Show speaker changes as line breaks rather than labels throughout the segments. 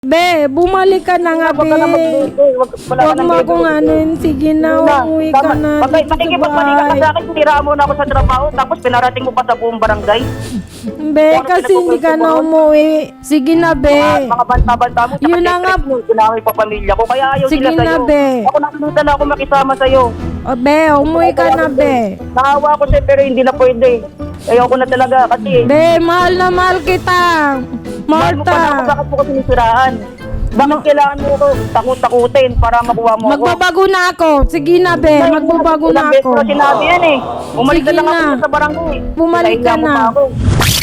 Be, bumalik ka na nga, be. Huwag mo akong anuin. Sige na, umuwi ka na dito sa
Makikipagmali ka
bahay.
sa akin, siniraan mo na ako sa trabaho, tapos pinarating mo pa sa buong barangay.
Be, kasi hindi ka na umuwi. Sige na, be.
Mga banta-banta mo,
Yun na nga.
Ginawin pa pamilya ko, kaya ayaw
Sige
sila
na,
sa'yo.
be.
Ako nakita na ako makisama sa'yo.
O, be, umuwi ka na, be.
Naawa ko sa'yo, pero hindi na pwede. Ayaw ko na talaga, kasi...
Be, mahal na mahal kita.
Mahal mo pa na ako,
Marta.
bakit mo ko sinisiraan? Bakit kailangan mo ko takot-takutin para makuha mo ako?
Magbabago na ako. Sige na, be. Magbabago na
Ilang beses
ako.
ko sinabi yan eh. Umalik
Sige
na lang
na.
ako sa barangay.
Bumalik ka
Nahiya mo
na.
pa ako.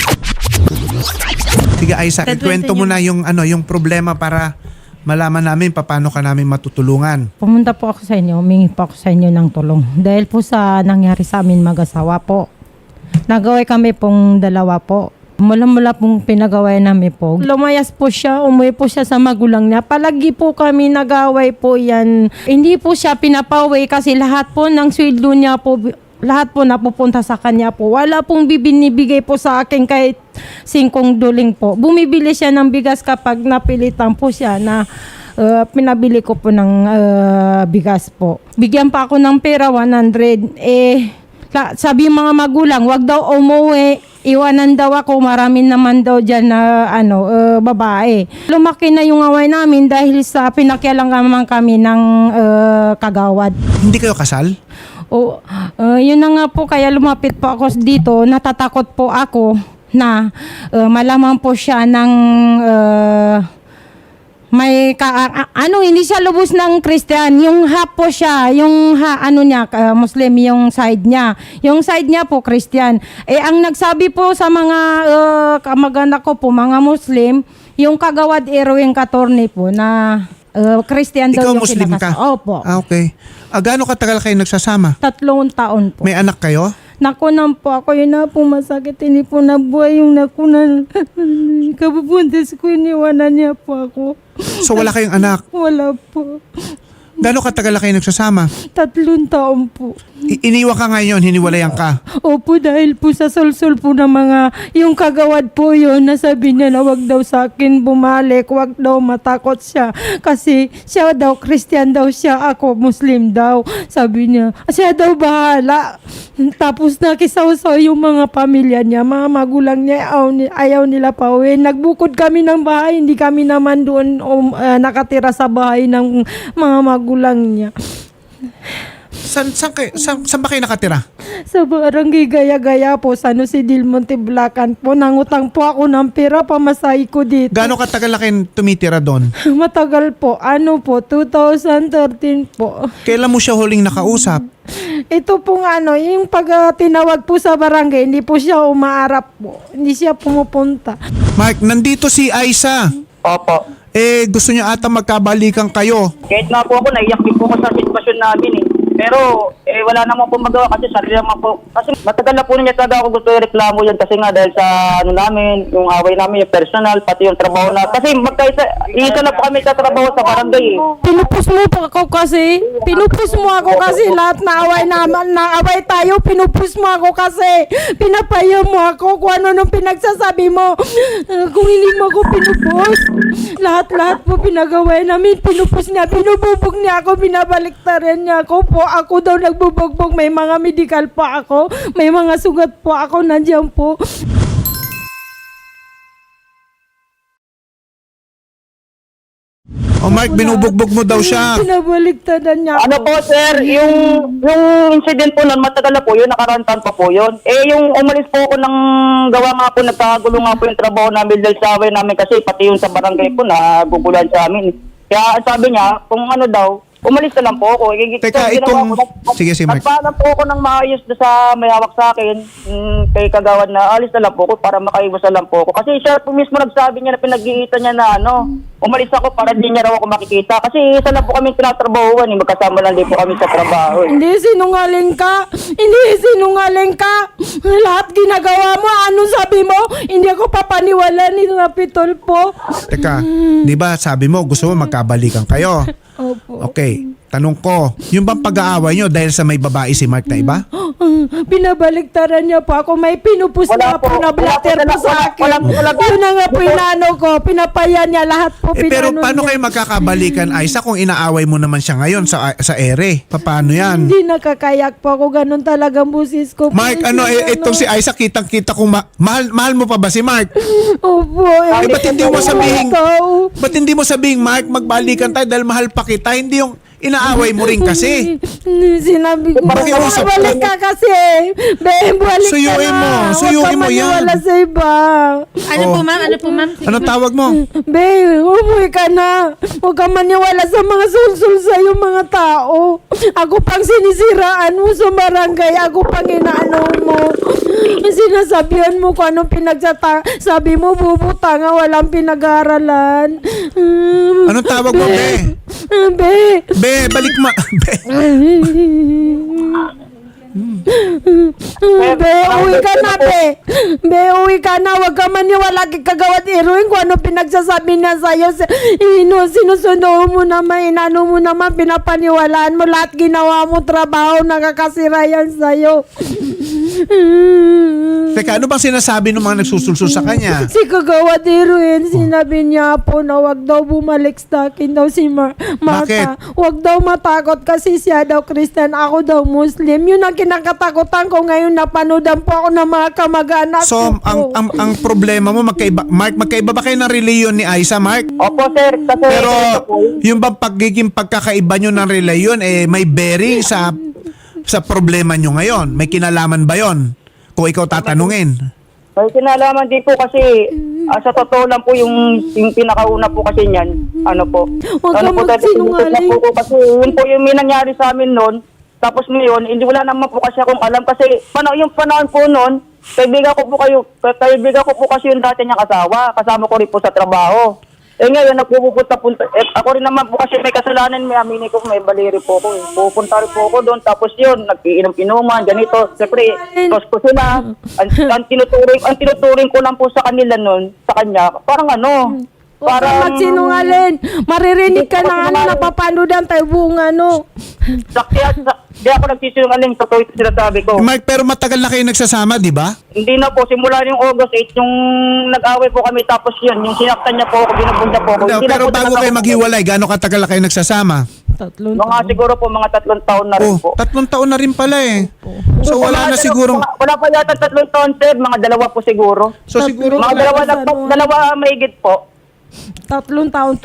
Sige, Isaac, ikwento mo na yung problema para malaman namin paano ka namin matutulungan.
Pumunta po ako sa inyo, humingi po ako sa inyo ng tulong. Dahil po sa nangyari sa amin mag-asawa po. Nagaway kami pong dalawa po. Mula pong pinagaway namin po. Lumayas po siya, umuwi po siya sa magulang niya. Palagi po kami nagaway po yan. Hindi po siya pinapauwi kasi lahat po ng sweldo niya po, lahat po napupunta sa kanya po. Wala pong binibigay po sa akin kahit 5 duling po. Bumibili siya ng bigas kapag napilitan po siya na pinabili ko po ng bigas po. Bigyan pa ako ng pera, 100. Sabi yung mga magulang, wag daw umuwi. Iwanan daw ako, marami naman daw dyan na babae. Lumaki na yung away namin dahil sa pinakialangan kami ng kagawad.
Hindi kayo kasal?
O, yun na nga po, kaya lumapit po ako dito. Natatakot po ako na malaman po siya ng hindi siya lubos ng Christian. Yung half po siya, yung Muslim, yung side niya. Yung side niya po, Christian. Ang nagsabi po sa mga kamag-anak ko po, mga Muslim, yung kagawad Erwin Catorne po na Christian daw
Ikaw
yung
Muslim
kinakas.
ka?
Opo.
Okay. Gaano katagal kayo nagsasama?
3 taon po.
May anak kayo?
Nakunan po ako, yun na po masakit, hindi po nabuhay yung nakunan. Kabubuntis ko, iniwanan niya po ako.
So wala kayong anak?
Wala po.
Gaano katagal kayo nagsasama?
3 taon po.
Iniwan ka ngayon, hiniwalayan ka.
Opo, dahil po sa sulsul po ng mga, yung kagawad po yun, nasabi niya na wag daw sa akin bumalik, wag daw matakot siya. Kasi siya daw, Christian daw siya, ako Muslim daw. Sabi niya, siya daw bahala. Tapos nakisawsaw yung mga pamilya niya, mga magulang niya, ayaw nila pa uwi. Nagbukod kami ng bahay, hindi kami naman doon nakatira sa bahay ng mga magulang niya.
Saan ba kayo nakatira?
Sa barangay Gaya-Gaya po, sa Jose del Monte, Bulacan po. Nangutang po ako ng pera, pamasahe ko dito.
Gaano katagal na kayo tumitira doon?
Matagal po. 2013 po.
Kailan mo siya huling nakausap?
Ito pong yung pag tinawag po sa barangay, hindi po siya umaarap po. Hindi siya pumupunta.
Mark, nandito si Aiza.
Opo.
Gusto niya ata magkabalikan kayo.
Kahit nga po ako, naiyak din po ako sa sitwasyon namin eh. Pero wala naman po magawa kasi sarili naman po. Kasi matagal na po niya talaga ako gusto i-reklamo yan kasi nga dahil sa namin, yung away namin, yung personal, pati yung trabaho na. Kasi isa na po kami sa trabaho sa barangay eh.
Pinupus mo po ako kasi. Pinupus mo ako kasi lahat na away naman, na away tayo, pinupus mo ako kasi. Pinapaya mo ako kung ano nung pinagsasabi mo. Kung hindi mo ako pinupus, lahat po pinagaway namin, pinupus niya, pinububog niya ako, binabaliktaran niya ako po. Ako daw nagbubugbog, may mga medical pa ako, may mga sugat po ako, nandiyan po.
Mark, binubugbog mo daw siya.
Binabaliktaran niya ako.
Ano po sir, yung incident po nun, matagal na po yun, nakarantan pa po yun. Yung umalis po ako ng gawa nga po, nagkagulo nga po yung trabaho namin dahil sa away namin kasi pati yung sa barangay po nagugulan sa amin. Kaya sabi niya, kung ano daw, umalis na lang po ako.
Teka, sige, Mark.
Nagpaalam po ako ng maayos sa may hawak sa akin, kay kagawad na alis na lang po ako para makaiwas na lang po ako. Kasi siya po mismo nagsabi niya na pinag-iitan niya na umalis ako para di niya raw ako makikita. Kasi isa lang po kami tinatrabahuan, magkasama lang din po kami sa trabaho.
Hindi sinungaling ka. Hindi sinungaling ka. Lahat ginagawa mo. Anong sabi mo? Hindi ako papaniwala ni Rapitol po.
Teka, di ba sabi mo gusto mo magkabalikan kayo?
Opo.
Okay, tanong ko, yung bang pag-aaway nyo dahil sa may babae si Mark na iba?
Binabaliktaran niya po ako. May pinupus
Wala
na po
po.
na blatter
Wala
po
po
sa akin.
wala po.
Yun na nga po inano ko. Pinapaya niya lahat po.
Pero
pinano
paano
niya.
kayo magkakabalikan, Aiza, kung inaaway mo naman siya ngayon sa ere? Paano yan?
Hindi nakakayak po ako. Ganun talaga ang busis ko.
Mark, itong si Aiza, kitang-kita kung mahal mo pa ba si Mark?
Opo.
Ba't hindi mo sabihin,
Ikaw.
ba't hindi mo sabihin, Mark, magbalikan tayo dahil mahal pa kita? Hindi yung inaaway mo rin kasi.
Sinabi ko,
Pakiusap ko.
balik ka kasi. Balik
Suyuin
ka na.
mo,
Huwag
suyuin
ka
mo yan.
maniwala sa iba.
Ano po ma'am? Ano po ma'am? Sige,
Anong
ma'am.
tawag mo?
Be, umuwi ka na. Huwag ka maniwala sa mga sulsul sa'yo mga tao. Ako pang sinisiraan mo sa barangay. Ako pang inaano mo. Sinasabihan mo kung anong sabi mo, bubuta nga, walang pinag-aaralan.
Anong tawag mo, Be?
Be.
Be, balik mo. Be.
Be, uwi ka na, Be. Be, uwi ka na. Huwag ka maniwala kay Kagawad Heroin kung ano pinagsasabi niya sa'yo. Sinusundo mo naman, inano mo naman, pinapaniwalaan mo. Lahat ginawa mo trabaho, nakakasira yan sa'yo.
Teka, ano bang sinasabi ng mga nagsusulsul sa kanya?
Si Kagawad Heroin, sinabi niya po na wag daw bumalik sa akin daw si Martha.
Bakit?
Wag daw matakot kasi siya daw Christian, ako daw Muslim. Yun ang kinakatakutan ko ngayon, napanodan po ako ng mga kamag-anak
So,
ko.
ang problema mo, Mark, magkaiba ba kayo ng reliyon ni Aiza, Mark?
Opo, sir. Kasi
Pero yung bang pagiging pagkakaiba nyo ng reliyon, may bearing sa problema nyo ngayon? May kinalaman ba yon? Kung ikaw tatanungin.
may kinalaman din po kasi sa totoo lang po yung pinakauna po kasi niyan. Ano po?
Huwag
ano
kang
po
magsinungaling.
po kasi yun po yung may nangyari sa amin noon. Tapos ngayon, hindi wala naman po kasi akong alam kasi yung panahon po noon, kaibigan ko po kasi yung dati niyang asawa. Kasama ko rin po sa trabaho. Ngayon, nagpupunta-punta. Ako rin naman po kasi may kasalanan, may aminin ko, may baliri po ako. Pupunta rin po ako doon. Tapos yun, nag-iinom-inuman, ganito. Siyempre, ko sila. Ang tinuturing ko lang po sa kanila noon, sa kanya, parang ano,
Huwag kang magsinungaling. Maririnig ka na napapanodan tayo buong ano.
Di ako nagsisinungaling, totoo ito sinasabi ko.
Mark, pero matagal na kayo nagsasama, di ba?
Hindi na po, simula yung August 8, yung nag-away po kami, tapos yun, yung sinaktan niya po ako, binubunda po ako. Hindi na
Pero
po
bago
talaga
kayo
ako-
maghiwalay, gano'ng katagal na kayo nagsasama?
Mga siguro po, mga 3 taon na rin po.
3 taon na rin pala eh. So wala na sigurong...
Wala pa yata 3 taon, sir, mga 2 po siguro.
So siguro...
Mga dalawa mahigit po.
3 taon,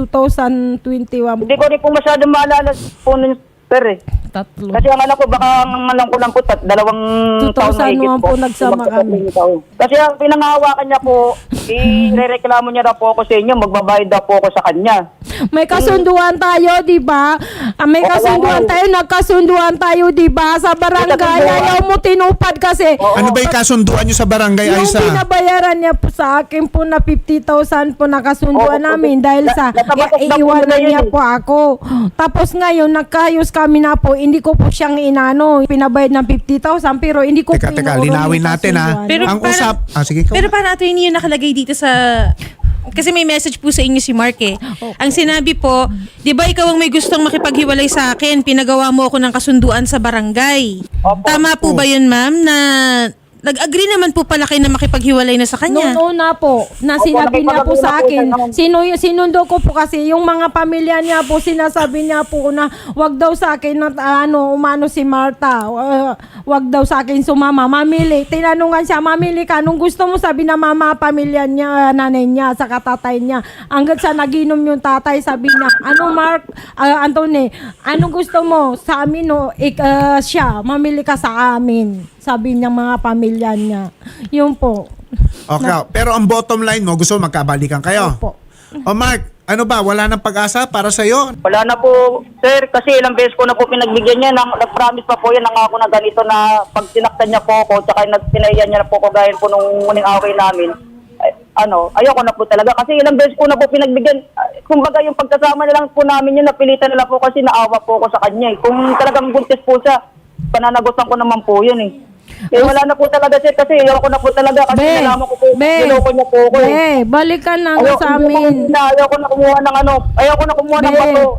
2021.
Hindi ko rin po masyado maalala po nun, sir eh.
3.
Kasi ang alam ko, baka ang alam ko lang po, 2 taon na higit
2001 po nagsama kami.
Kasi ang pinangahawakan niya po, irereklamo niya daw po ako sa inyo, magbabayad daw po ako sa kanya.
May kasunduan tayo, di ba? May kasunduan tayo, nagkasunduan tayo, di ba? Sa barangay, ayaw mo tinupad kasi.
Ano ba yung kasunduan nyo sa barangay,
Yung
Aiza?
binabayaran niya po sa akin po na 50,000 po nakasunduan
Oo,
namin dahil sa
natabatok na po
iiwanan
nila yun
niya
eh.
po ako. Tapos ngayon, nagkaayos kami na po, hindi ko po siyang inano, pinabayad ng 50,000 pero hindi ko
Teka,
pinuurong
linawin
yung
natin ha.
kasunduan.
Pero
Ang
para-
usap... sige, ikaw.
Pero paano ito yung nakalagay dito sa... Kasi may message po sa inyo si Mark eh. Ang sinabi po, di ba ikaw ang may gustong makipaghiwalay sa akin, pinagawa mo ako ng kasunduan sa barangay.
Opo.
Tama po ba yun ma'am na nag-agree naman po pala kayo na makipaghiwalay na sa kanya?
Noong una po, na sinabi niya po sa akin, sinundo ko po kasi yung mga pamilya niya po, sinasabi niya po na wag daw sa akin na umano si Martha, wag daw sa akin sumama, mamili. Tinanungan siya, mamili ka, nung gusto mo sabi na mama, pamilya niya, nanay niya, sa katatay niya. Hanggang sa naginom yung tatay, sabi niya, ano Mark, Anthony, anong gusto mo sa amin, no? Siya, mamili ka sa amin. Sabi niya mga pamilya niya. Yun po.
Okay, pero ang bottom line mo, gusto mo magkabalikan kayo?
Opo.
O Mark, ano ba, wala nang pag-asa para sa'yo?
Wala na po, sir, kasi ilang beses ko na po pinagbigyan niya, nag-promise pa po yan, nangako na ganito na pag sinaktan niya po ako, tsaka pinaiyan niya na po ako gaya po nung muling away namin. Ayoko na po talaga kasi ilang beses ko na po pinagbigyan. Kumbaga yung pagkasama na lang po namin yun, napilitan na lang po kasi naawa po ako sa kanya eh. Kung talagang buntis po siya, pananagutan ko naman po yun eh. Wala na po talaga sir kasi ayoko na po talaga kasi nalaman ko po, niloko niya po ako eh.
Balikan na nga sa amin.
Ayoko na kumuha ng ayoko na kumuha ng bato.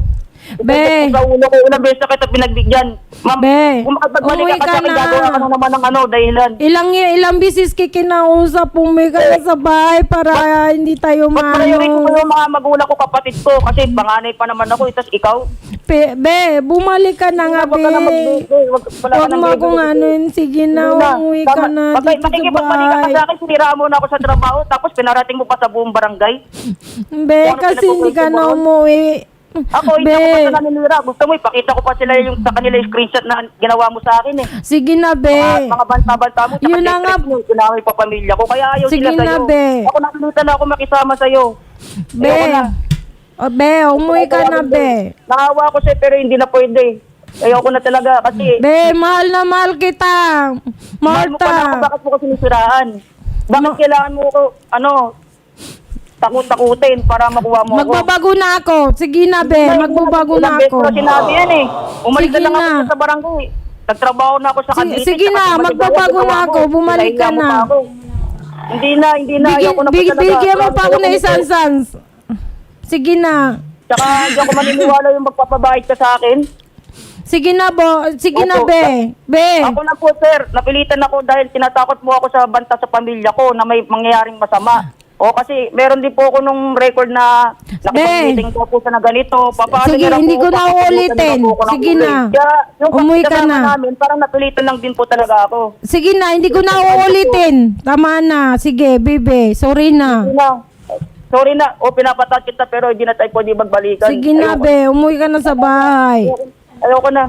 Be.
Sa ulo ko, ilang beses na kita pinagbigyan. Ma'am,
Be,
kung makapagbalik
umuwi
ka
ka
kasi
na.
gagawa ka na naman ng dahilan.
Ilang bisis kikinausap, umuwi ka na sa bahay para hindi tayo
Ba't priority ko
maano.
yung mga magulang ko, kapatid ko, kasi panganay pa naman ako, itas ikaw.
Be, bumalik ka na nga,
Wag ka na
be.
magbigay, wala ka
Huwag
nang
mo
bibigay.
akong ano yun. Sige na, umuwi ka na dito sa
Makikipagpalik ka
bahay.
sa akin, siniraan mo na ako sa trabaho, tapos pinarating mo pa sa buong barangay.
Be, kasi hindi ka na umuwi.
Ako, hindi
Be.
ako basta naninira. Gusto mo, ipakita ko pa sila yung sa kanila yung screenshot na ginawa mo sa akin eh.
Sige na, be.
Mga banta-banta mo, tsaka
Yun na nga.
mo, sinaway pa pamilya ko. Kaya ayaw
Sige
sila
na,
sa'yo.
be.
Ako nakilita na ako makisama sa'yo.
Be.
Ayoko na.
O, be, umuwi ka na, be.
Nakawa ko sa'yo pero hindi na pwede. Ayoko na talaga kasi
Be, mahal na mahal kita.
mahal mo pa na ako,
Marta.
bakit mo ko sinisiraan? Bakit kailangan mo ko, takot-takutin para makuha mo ako?
Magbabago na ako. Sige na, be. Magbabago na
Ilang beses
ako.
ko na sinabi yan eh. Umalis
Sige
na lang
na.
ako sa barangay. Nagtrabaho na ako sa Cavite.
Sige
tsaka
na,
bumalik
magbabago
ako sa
na ako.
trabaho.
Bumalik ka
Pinahiya mo
na.
pa ako. Hindi na. Ayoko na po talaga.
Bigyan mo pa ako na
Ayoko
isang
nito.
sans. Sige na.
Tsaka hindi ako maniniwala yung magpapabait ka sa akin.
Sige na, Sige na,
Opo.
be. Be.
Ako na po, sir. Napilitan ako dahil tinatakot mo ako sa banta sa pamilya ko na may mangyayaring masama. O kasi meron din po ako nung record na nakipag-meeting po sa na ganito. Papaano
Sige,
niya lang
hindi
po,
ko na
papapulitan
uulitin.
niya po ako ng
Sige
kulay.
na.
Kaya yung
Umuwi ka
kasama
na.
namin, parang napilitan lang din po talaga ako.
Sige na, hindi ko na uulitin. Tama na. Sige, bebe. Sorry na.
Hindi na. Sorry na. O pinapatat kita pero hindi na tayo pwede magbalikan.
Sige na, be. Umuwi ka na sa bahay.
Ayoko na.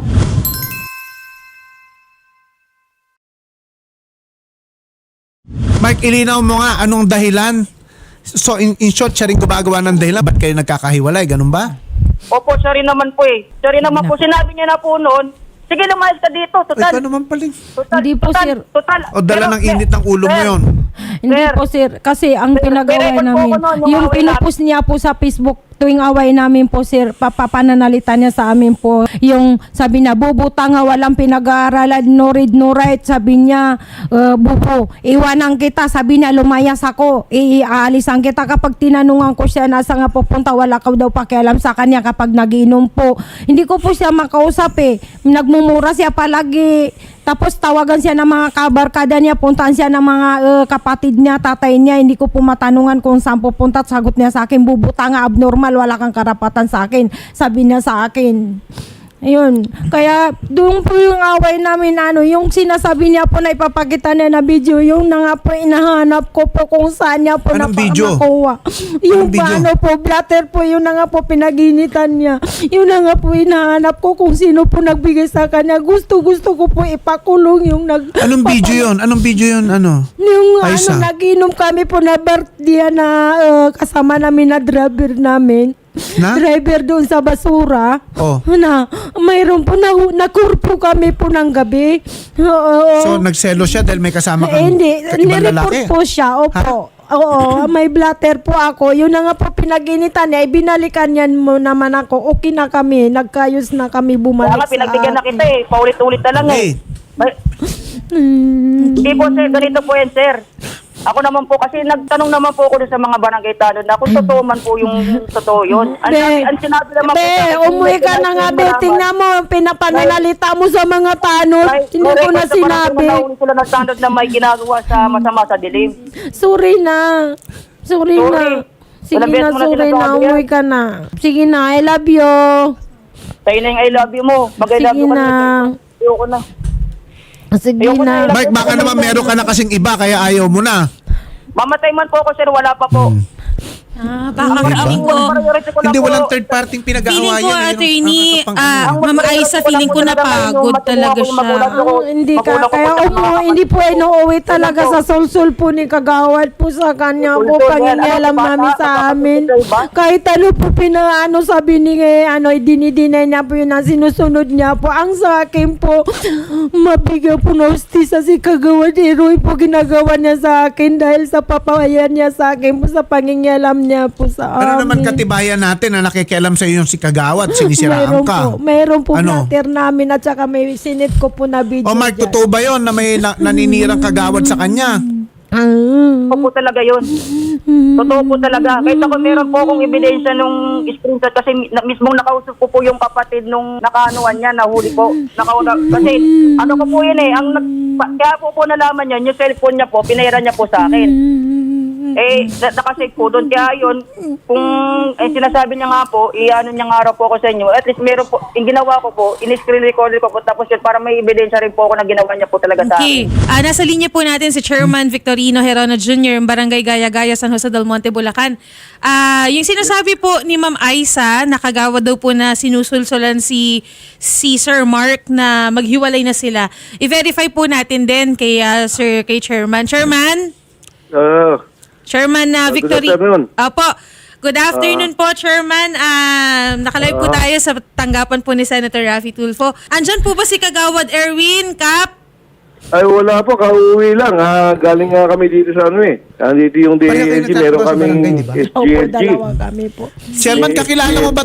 Mark, ilinaw mo nga anong dahilan. So in short, siya rin gumagawa ng dahilan. Ba't kayo nagkakahiwalay? Ganun ba?
Opo, sorry naman po eh. Sorry naman po. Sinabi niya na po noon. Sige, lumayas ka dito.
Ay,
Total.
ka naman pala.
Hindi po, sir.
Total.
O dala ng init ng ulo mo
Sir,
yun.
Hindi
Sir.
po, sir. Kasi ang
Sir,
pinagawa
pero
namin,
po ako noon, nung
yung
away
pinupost niya po sa Facebook tuwing away namin po, sir, papananalita niya sa amin po. Yung sabi niya, bubuta nga walang pinag-aaralan, no read, no write. Sabi niya, bubo, iwanan kita. Sabi niya, lumayas ako. Iaalisan kita. Kapag tinanungan ko siya, nasa nga pupunta, wala ka daw pakialam sa kanya kapag nagiinom po. Hindi ko po siya makausap eh. Nagmumura siya palagi. Tapos tawagan siya ng mga kabarkada niya, puntaan siya ng mga kapatid niya, tatay niya. Hindi ko po matanungan kung saan pupunta. Sagot niya sa akin, bubuta nga, abnormal, wala kang karapatan sa akin. Sabi niya sa akin. Ayun. Kaya doon po yung away namin, yung sinasabi niya po na ipapakita niya na video, yung na nga po inahanap ko po kung saan niya po
Anong video?
nakuha. Yung
video?
paano po, blatter po, yun na nga po pinaginitan niya. Yun na nga po inahanap ko kung sino po nagbigay sa kanya. Gusto ko po ipakulong yung
Anong video yun? Anong video yun? Ano?
Yung
Aisa?
naginom kami po na birthday na kasama namin na driver namin.
Na?
Driver doon sa basura.
Oh.
Na, mayroon po nakurpo kami po ng gabi.
So nagselo siya dahil may kasama kang
Hindi,
ibang
nireport
lalaki?
po siya. Opo. Oo, may blatter po ako. Yun na nga po pinaginitan niya. Ibinalikan niyan mo naman ako. Okay na kami. Nagkayos na kami
Kaya
bumalik
nga,
sa
pinagbigyan na
akin.
kita eh. Paulit-ulit na lang eh. Hindi po sir, ganito po yan sir. Ako naman po, kasi nagtanong naman po ako dun sa mga barangay tanod na kung totoo man po yung totoo yun. Ang sinabi naman po sa akin,
Umuwi ka na nga, be. Tingnan mo, pinapananalita mo sa mga tanod. Hindi ko na sinabi.
Nahuli sila ng tanod na may ginagawa sa masama sa dilim.
Sorry na. Sorry na. Sige
Ilang beses
na,
mo na
sorry na.
sinasabi yan?
Umuwi ka na. Sige na, I love you.
Tayo na yung I love you mo. Mag-I love
Sige
you ka
na.
Ayoko na.
Sige
Ayoko
na.
na.
Mark, baka naman meron ka na kasing iba kaya ayaw mo na.
Mamatay man po ako sir, wala pa po.
Baka feeling ko,
Hindi, walang third party
feeling
pinag-aawayan.
ko, attorney, Mama Aisa, feeling ko napagod talaga siya.
Hindi ka, kaya hindi po inuuwi talaga sa sulsul po ni Kagawad po sa kanya po, pangingialam namin sa amin. Kahit ano po pinaano sabi ni dinidinay niya po yun ang sinusunod niya po. Ang sa akin po, mabigyan po na hostisa si Kagawad. Iroy po ginagawa niya sa akin dahil sa papawayan niya sa akin po, sa pangingialam niya po sa amin.
Ano naman katibayan natin na nakikialam sa iyo yung si Kagawad, sinisiraan ka?
Mayroon po
Ano?
blatter namin at saka may sinit ko po na video
O Mark,
dyan.
totoo ba yun na may naninirang Kagawad sa kanya?
Totoo po talaga yun. Totoo po talaga. Kahit ako meron po akong ebidensya nung screenshot kasi mismong nakausap ko po yung kapatid nung nakaanuan niya, nahuli po. Kasi ano ko po yun kaya po nalaman yun, yung cellphone niya po, pinahira niya po sa akin. Nakasave po doon. Kaya yun, kung sinasabi niya nga po, ano niya nga raw po ako sa inyo, at least meron po, yung ginawa ko po, in-screen recorder ko po, tapos yun, para may ebidensya rin po ako na ginawa niya po talaga sa
Okay.
akin.
Nasa linya po natin si Chairman Victorino Herono Jr., yung Barangay Gaya-Gaya, San Jose del Monte, Bulacan. Yung sinasabi po ni Ma'am Aisa, nakagawa daw po na sinusulsulan si Sir Mark na maghiwalay na sila. I-verify po natin din kay Chairman. Chairman
Good
Victory.
afternoon.
Opo. Good afternoon po, Chairman. Nakalive po tayo sa tanggapan po ni Senator Raffy Tulfo. Andyan po ba si Kagawad Erwin, Kap?
Ay, wala po. Kauwi lang. Galing nga kami dito sa Andito yung
Pareho kayo
DLG. Meron
nagtatapos sa barangay,
kaming
di ba?
SGLG.
kami po.
Chairman, kakilala mo ba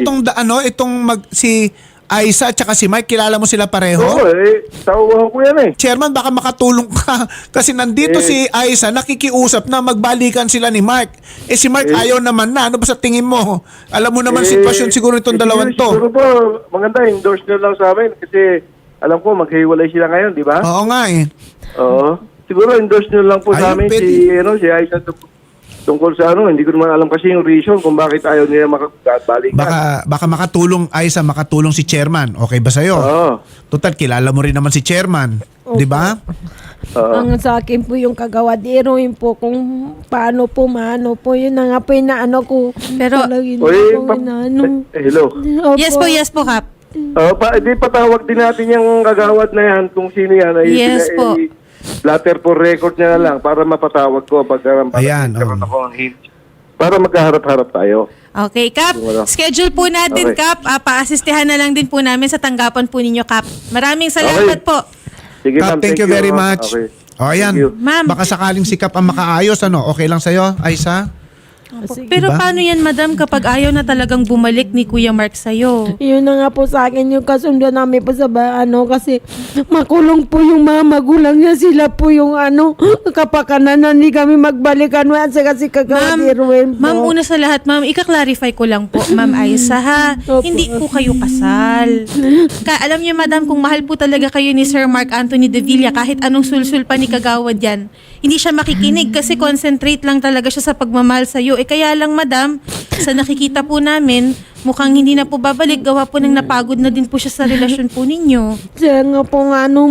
si Aisa at saka si Mike? Kilala mo sila pareho?
Oo, tawag ko yan
Chairman, baka makatulong ka. Kasi nandito si Aisa, nakikiusap na magbalikan sila ni Mark. Si Mark ayaw naman na. Ano ba sa tingin mo? Alam mo naman sitwasyon siguro itong dalawang
Siguro
to.
po, maganda. Endorse nyo lang sa amin. Kasi alam ko, maghiwalay sila ngayon, di ba?
Oo nga eh.
Oo. Siguro endorse nyo lang po sa
Ayun,
amin
pwede.
si Aisa tungkol sa hindi ko naman alam kasi yung reason kung bakit ayaw nila makabalikan.
Baka makatulong Aisa, makatulong si Chairman. Okay ba sa'yo?
Oo.
Total, kilala mo rin naman si Chairman. Di ba?
Ang sa akin po yung kagawadero yun po kung paano po maano po yun na nga po yung naano ko.
Pero-
Palagi na
Oy,
po inaano.
hello.
Opo.
Yes po, Kap.
Di patawag din natin yung kagawad na yan kung sino yan.
Yes po.
Blatter for record niya na lang para mapatawag ko pag
Ayan,
nagkaroon ako ng hint. Para magkaharap-harap tayo.
Okay, Kap.
Wala.
Schedule po natin,
Okay.
Kap. Pa-assistihan na lang din po namin sa tanggapan po ninyo, Kap. Maraming salamat
Okay.
po.
Sige,
Kap,
ma'am,
thank you very much.
Okay.
O, ayan.
Thank you.
Ma'am.
Baka sakaling si Kap ang makaayos, Okay lang sa'yo, Aisa?
Pero
Diba?
paano yan, madam, kapag ayaw na talagang bumalik ni Kuya Mark sa'yo?
Yun na nga po sa akin yung kasundo namin po sa kasi makulong po yung mga magulang niya, sila po yung kapakanan na hindi kami magbalikan kasi kagawadero yun po.
Ma'am, una sa lahat, ma'am, ika-clarify ko lang po, Ma'am Aisa, ha?
Opo.
Hindi po kayo kasal. Alam niyo, madam, kung mahal po talaga kayo ni Sir Mark Anthony de Villa, kahit anong sulsul pa ni Kagawad yan, hindi siya makikinig kasi concentrate lang talaga siya sa pagmamahal sa'yo. Kaya lang, madam, sa nakikita po namin, mukhang hindi na po babalik. Gawa po ng napagod na din po siya sa relasyon po ninyo.
Siya nga po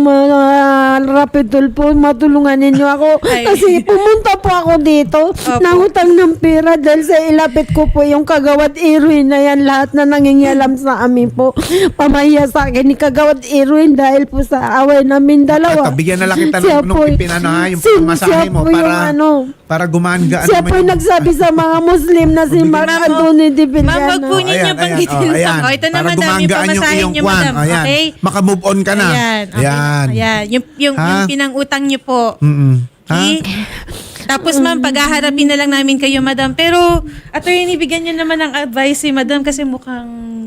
rapidol po, matulungan ninyo ako.
Ay.
Kasi pumunta po ako dito,
Opo.
nangutang ng pera dahil sa ilapit ko po yung Kagawad Erwin na yan, lahat na nangingialam sa amin po. Pamahiya sa akin ni Kagawad Erwin dahil po sa away namin dalawa.
Ito, bigyan na lang kita
Siya
nung
po-
yung pamasahe
siya
mo
po yung
para gumaan-gaan
siya
naman
po yung nagsabi sa mga Muslim na si
Bigyan-
Mark
Ma'am,
Anthony de
Ma'am, wag po
Villana.
ninyo banggitin
ayan.
pa. Ito na,
Para
madam, yung
gumagaan yung
pamasahe
iyong
niyo,
kwan.
madam.
Ayan.
Okay?
Maka-move on ka na.
Ayan. Okay.
Ayan.
Ayan. Yung
Ha?
pinang-utang niyo po.
Mm-mm. Ha?
Okay? Tapos ma'am, paghaharapin na lang namin kayo, madam. Pero, attorney, bigyan niyo naman ng advice si madam kasi mukhang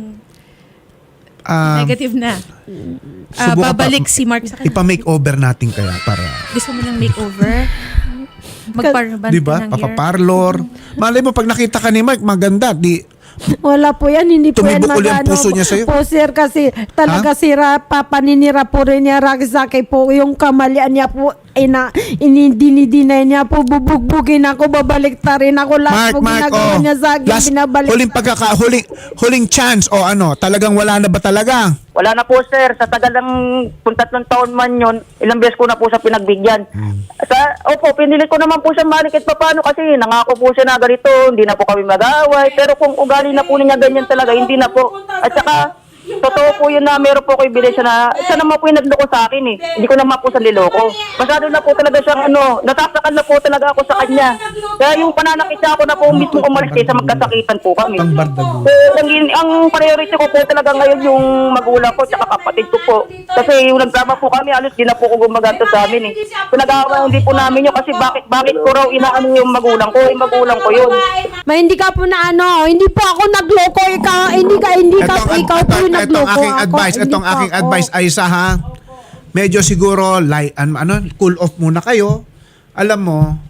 negative na.
subukan
Babalik
pa-
si Mark sa kanya.
Ipa-makeover natin kaya para...
Gusto mo ng makeover? Magparban
Di ba?
ka ng hair?
Papaparlor. Malay mo, pag nakita ka ni Mark, maganda.
Wala po yan, hindi po yan
Tumibok uli ang puso niya sa'yo?
po sir kasi talaga papaninira po rin niya Ragisake po yung kamalian niya po dinidinay niya po bubugbugin ako, babalik ta rin ako lahat po ginagawa niya sa akin,
last,
binabalik
huling chance o talagang wala na ba talaga?
Wala na po, sir. Sa tagal ng kung 3 taon man yun, ilang beses ko na po siya pinagbigyan. Pinilit ko naman po siya malikit pa paano kasi nangako po siya na ganito, hindi na po kami mag-away. Pero kung ugali na po niya ganyan talaga, hindi na po. At saka, totoo po yun na meron po ko ebidensya na siya naman po yung nagloko sa akin eh. Hindi ko naman po sa niloko. Masyado na po talaga siyang nasasakal na po talaga ako sa kanya. Kaya yung pananakit niya ako na po mismo umalis kaysa magkasakitan po kami.
Ang bardago.
Ang priority ko po talaga ngayon yung magulang ko tsaka kapatid ko po. Kasi yung nagdrama po kami, alos di na po ko gumaganto sa amin eh. Pinag-aawayan din po namin yun kasi bakit ko raw inaano yung magulang ko. Yung magulang ko yun.
hindi ka po na hindi po ako nagloko, ikaw po yung nagloko
aking
ako.
advice,
Hindi
itong
po
aking
ako.
advice Aisa ha. Medyo siguro cool off muna kayo. Alam mo,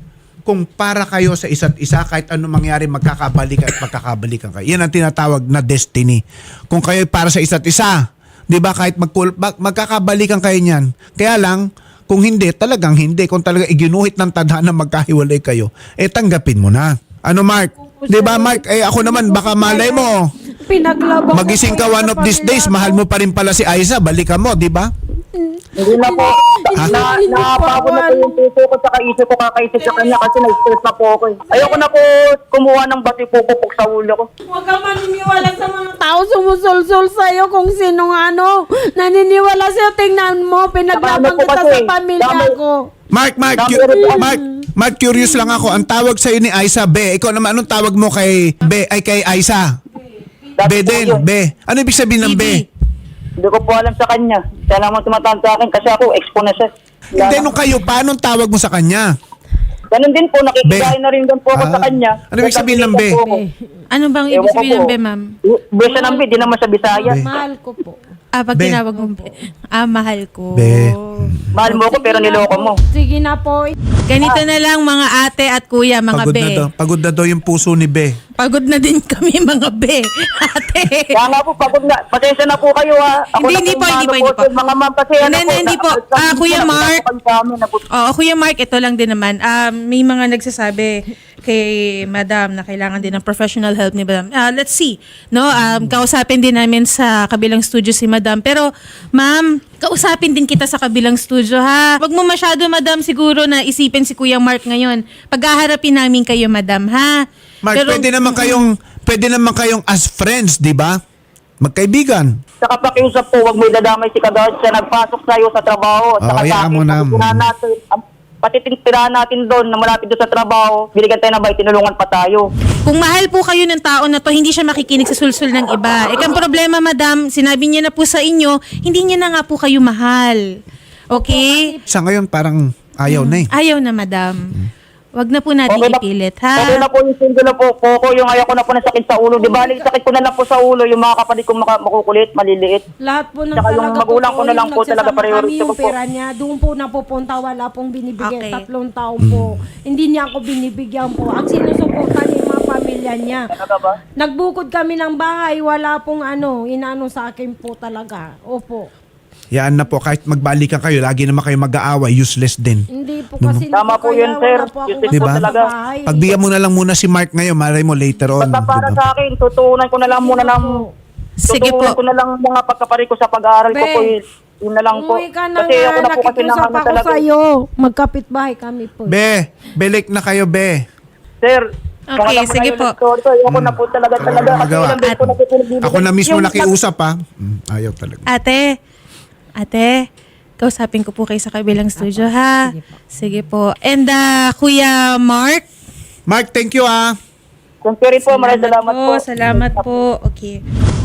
kung para kayo sa isa't isa, kahit ano mangyari, magkakabalikan at magkakabalikan kayo. Yan ang tinatawag na destiny. Kung kayo para sa isa't isa, di ba, kahit magkakabalikan kayo niyan. Kaya lang, kung hindi, talagang hindi. Kung talaga iginuhit ng tadhana magkahiwalay kayo, tanggapin mo na. Ano, Mark? Di ba, Mark? Ako naman, baka malay mo.
Pinaglaban
Magising ka one of these days, mahal mo pa rin pala si Aiza, balikan mo, di ba?
Hindi na po. Napagod na po yung puso ko sa isip ko kakaisip sa kanya kasi na-stress na po ako. Ayoko na po kumuha ng bati pupupok sa ulo ko.
Huwag ka maniniwala sa mga tao sumusulsul sa'yo kung sinong ano. Naniniwala sa'yo, tingnan mo, pinaglaban kita sa pamilya ko.
Mark, curious lang ako. Ang tawag sa'yo ni Aiza, Be. Ikaw naman, anong tawag mo kay Be, ay kay Aiza? Be din, Be. Ano ibig sabihin ng Be?
Hindi ko po alam sa kanya. Siya lang mo tumatawag sa akin kasi ako expo na siya.
Hindi, nung kayo pa, anong tawag mo sa kanya?
Ganun din po, nakikigay na rin din po ako sa kanya.
Ano ibig sabihin ng Be?
Ano bang ibig sabihin ng be, ma'am?
Be siya ng Be, di naman sa Bisaya.
Mahal ko po.
Pag
Be.
tinawag mo be. Mahal ko.
Be.
Mahal mo ko pero niloko mo.
Sige na po.
Ganito na lang mga ate at kuya, mga
Pagod
be.
na daw. Pagod na daw yung puso ni Be.
Pagod na din kami mga be. Ate.
Kaya nga po, pagod na. Pasensya na po kayo ha. Ako
Hindi,
na
hindi po,
ano
hindi po.
Mga ma'am kasi
Hindi po. Kuya Mark. Kuya Mark, ito lang din naman. May mga nagsasabi kay Madam na kailangan din ng professional help ni Madam. Let's see. No, kausapin din namin sa kabilang studio si Madam. Pero, Ma'am, kausapin din kita sa kabilang studio, ha? Wag mo masyado, Madam, siguro na isipin si Kuya Mark ngayon. Paghaharapin namin kayo, Madam, ha?
Mark,
Pero-
pwede naman kayong as friends, di ba? Magkaibigan.
Saka pakiusap po, huwag mo idadamay si Kagawad siya nagpasok sa'yo sa trabaho. Saka
Oo,
sa
hayaan
akin,
mo na.
pati tirahan natin doon na malapit doon sa trabaho, binigyan tayo ng bay, tinulungan pa tayo.
Kung mahal po kayo ng tao na to, hindi siya makikinig sa sulsul ng iba. Ang problema, Madam, sinabi niya na po sa inyo, hindi niya na nga po kayo mahal. Okay?
Sa ngayon, parang ayaw na eh.
Ayaw na, Madam. Wag na po natin ipilit,
Okay
ha?
na po yung single na po, Coco, yung ayaw ko na po ng sakit sa ulo. Di ba, sakit ko na lang po sa ulo, yung mga kapatid kong makukulit, maliliit.
Lahat po ng
Saka yung
talaga
magulang ko na lang po
yung
talaga
nagsasama
priority
kami, yung
ko po.
pera niya, doon po napupunta, wala pong binibigay.
Okay.
3 taon po. Hindi niya ako binibigyan po. Ang sinusuportan niya yung mga pamilya niya.
Talaga ba?
Nagbukod kami ng bahay, wala pong inaano sa akin po talaga. Opo.
Yaan na po, kahit magbalikan kayo, lagi naman kayo mag-aaway, useless din.
Hindi po kasi
Tama po
kaya
yun, sir.
wala po akong
Yun
Diba?
kasama
talaga.
sa bahay.
Pagbigyan mo na lang muna si Mark ngayon, malay mo later on.
Basta para
diba?
sa akin, tutuunan ko na lang muna ng...
Sige po.
Tutuunan ko na lang mga pagkapari ko sa pag-aaral ko
Be,
po. Yun na lang po.
Umuwi ka na
Kasi ako na po kasi
nakikiusap
naman
ako
talaga.
sa'yo. Magkapit bahay kami po.
Be, belik na kayo, Be.
Sir,
Okay, sige po.
Ayoko na po talaga. Kasi
magawa.
ilang beses ko na po pinagbibigyan.
Ako na mismo
Yung-
nakiusap ha. Ayaw talaga.
Ate, kausapin ko po kayo sa kabilang studio, ha? Sige po. And Kuya Mark?
Mark, thank you ah.
Kung rin po, maraming salamat po.
Salamat po. Okay.